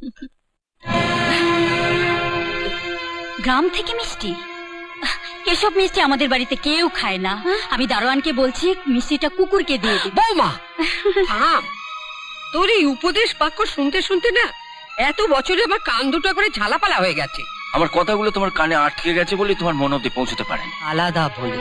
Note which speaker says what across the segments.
Speaker 1: গ্রাম থেকে মিষ্টি? এসব মিষ্টি আমাদের বাড়িতে কেউ খায় না। আমি দারোয়ানকে বলছি মিষ্টিটা কুকুরকে দিয়ে দিই।
Speaker 2: বৌমা থাম, তোর এই উপদেশ বাক্য শুনতে শুনতে না এত বছরে আমার কান দুটো করে ঝালাপালা হয়ে গেছে।
Speaker 3: আমার কথাগুলো তোমার কানে আটকে গেছে বলে তোমার মন অব্দি পৌঁছতে পারেনি।
Speaker 2: আলাদা বলে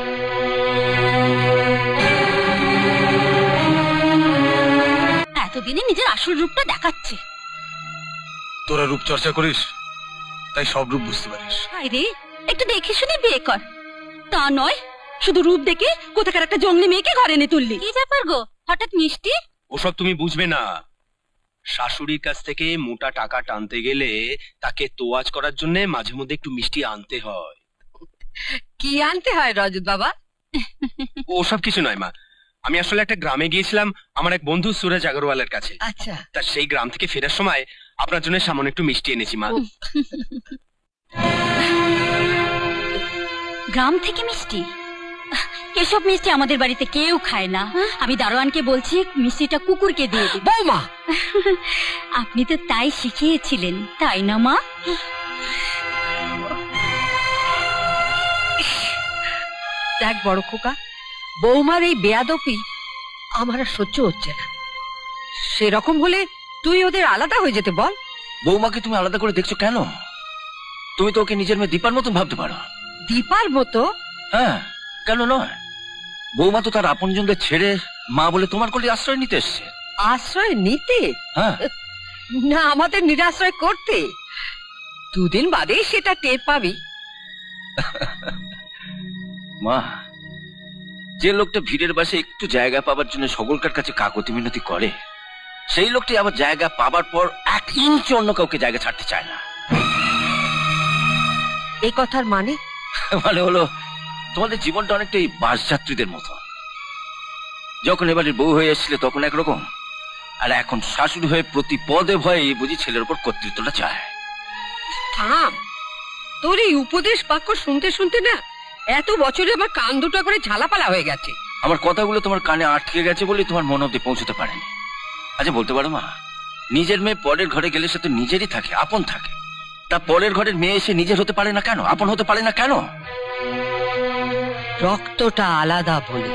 Speaker 1: এতদিনে নিজের আসল রূপটা দেখাচ্ছে।
Speaker 4: তোরা রূপ চর্চা করিস তাই সব রূপ বুঝতে পারিস।
Speaker 1: আরে একটু দেখে শুনে বিয়ে কর। তা নয় শুধু রূপ দেখে কোথাকার একটা জঙ্গলি মেয়েকে ঘরে এনে তুললি। কি ব্যাপার গো, হঠাৎ মিষ্টি?
Speaker 5: ওসব তুমি বুঝবে না। শাশুড়ির কাছ থেকে মোটা টাকা টানতে গেলে তাকে তোয়াজ করার জন্য মাঝে মধ্যে একটু মিষ্টি আনতে হয়।
Speaker 2: কি আনতে হয় রজত বাবা?
Speaker 5: ওসব কিছু নয় মা, আমি আসলে একটা গ্রামে গিয়েছিলাম আমার এক বন্ধু সুরজ আগরওয়ালের কাছে।
Speaker 2: আচ্ছা,
Speaker 5: তা সেই গ্রাম থেকে ফেরার সময় আপনার জন্য সামান্য একটু মিষ্টি এনেছি মা।
Speaker 1: গ্রাম থেকে মিষ্টি? এসব মিষ্টি আমাদের বাড়িতে কেউ খায় না। আমি দারোয়ানকে বলছি মিষ্টিটা কুকুরকে দিয়ে দিই।
Speaker 2: বৌমা
Speaker 1: আপনি তো তাই শিখিয়েছিলেন, তাই না মা?
Speaker 2: দেখ বড় খোকা, বৌমার এই বেয়াদপি আমার আর সহ্য হচ্ছে না। সেরকম হলে তুই ওদের আলাদা হয়ে যেতে বল।
Speaker 3: বৌমাকে তুমি আলাদা করে দেখছো কেন? তুমি তো ওকে নিজের মেয়ে দীপার মতন ভাবতে পারো।
Speaker 2: দীপার মতো?
Speaker 3: হ্যাঁ, কেন নয়? বৌমা তো তার আপনজনদের ছেড়ে মা বলে তোমার কোলে আশ্রয় নিতে এসছে।
Speaker 2: আশ্রয় নিতে?
Speaker 3: হ্যাঁ,
Speaker 2: না আমাদের নিরাশ্রয় করতে। দুদিন বাদেই সেটা টের পাবি।
Speaker 3: মা, যে লোকটা ভিড়ের বাসে একটু জায়গা পাবার জন্য সকলকার কাছে কাকতি মিনতি করে, সেই লোকটি আবার জায়গা পাবার পর 1 ইঞ্চ অন্য কাউকে জায়গা ছাড়তে চায় না।
Speaker 2: এই কথার মানে?
Speaker 3: মানে হলো তোমাদের জীবনটা অনেকটা এই বাস যাত্রীদের মতো। যখন এবারে বউ হয়ে এসেছিলে তখন একরকম, আর এখন শাশুড়ি হয়ে প্রতি পদে ভয়ে বুঝি ছেলের উপর কর্তৃত্বটা চায়।
Speaker 2: থাম, তোর এই উপদেশ বাক্য শুনতে শুনতে না এত বছরে আমার কান দুটো করে ঝালাপালা হয়ে গেছে।
Speaker 3: আমার কথাগুলো তোমার কানে আটকে গেছে বলে তোমার মন অব্দি পৌঁছতে পারেনি। আচ্ছা বলতে পারো মা, নিজের মেয়ে পরের ঘরে গেলে সে তো নিজেরই থাকে, আপন থাকে। তা পরের ঘরের মেয়ে এসে নিজের হতে পারে না কেন? আপন হতে পারে না কেন?
Speaker 2: রক্তটা আলাদা বলে।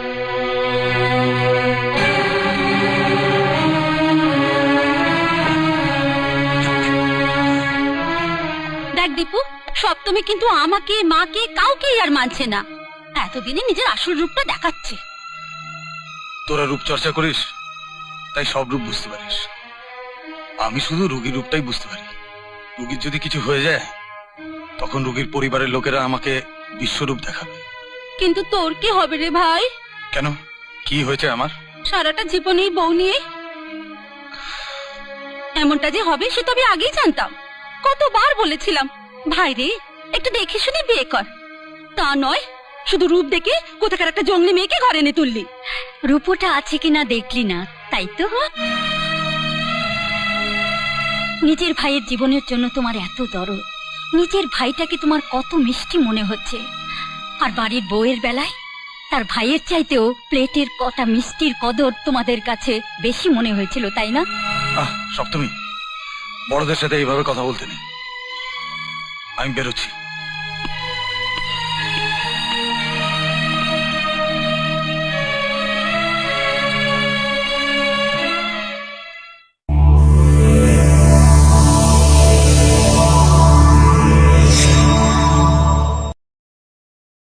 Speaker 1: দেখ দীপু, সপ্তমী কিন্তু আমাকে, মাকে, কাউকে আর মানছে না। এতদিনে নিজের আসল রূপটা দেখাচ্ছে।
Speaker 4: তোরা রূপ চর্চা করিস তাই সব রূপ বুঝতে পারিস। আমি শুধু রোগীর রূপটাই বুঝতে পারি। রোগীর যদি কিছু হয়ে যায় তখন রোগীর পরিবারের লোকেরা আমাকে বিশ্বরূপ দেখাবে।
Speaker 1: কিন্তু তোর কি হবে রে ভাই?
Speaker 4: কেন, কি হয়েছে আমার?
Speaker 1: সারাটা জীবনেই বউ নিয়ে এমনটা যে হবে সে তো আমি আগেই জানতাম। কতবার বলেছিলাম ভাই রে একটু দেখে শুনে বিয়ে কর। তা নয় শুধু রূপ দেখে কোথাকার একটা জঙ্গলি মেয়েকে ঘরে এনে তুললি। রূপটা আছে কিনা দেখলি না, তাই তো? নিজের ভাইয়ের জীবনের জন্য তোমার এত দরদ, নিজের ভাইটাকে তোমার কত মিষ্টি মনে হচ্ছে, আর বাড়ির বউয়ের বেলায় তার ভাইয়ের চাইতেও প্লেটের কটা মিষ্টির কদর তোমাদের কাছে বেশি মনে হয়েছিল, তাই না?
Speaker 4: সপ্তমী, বড়দের সাথে এইভাবে কথা বলতে নেই। আমি বেরোচ্ছি।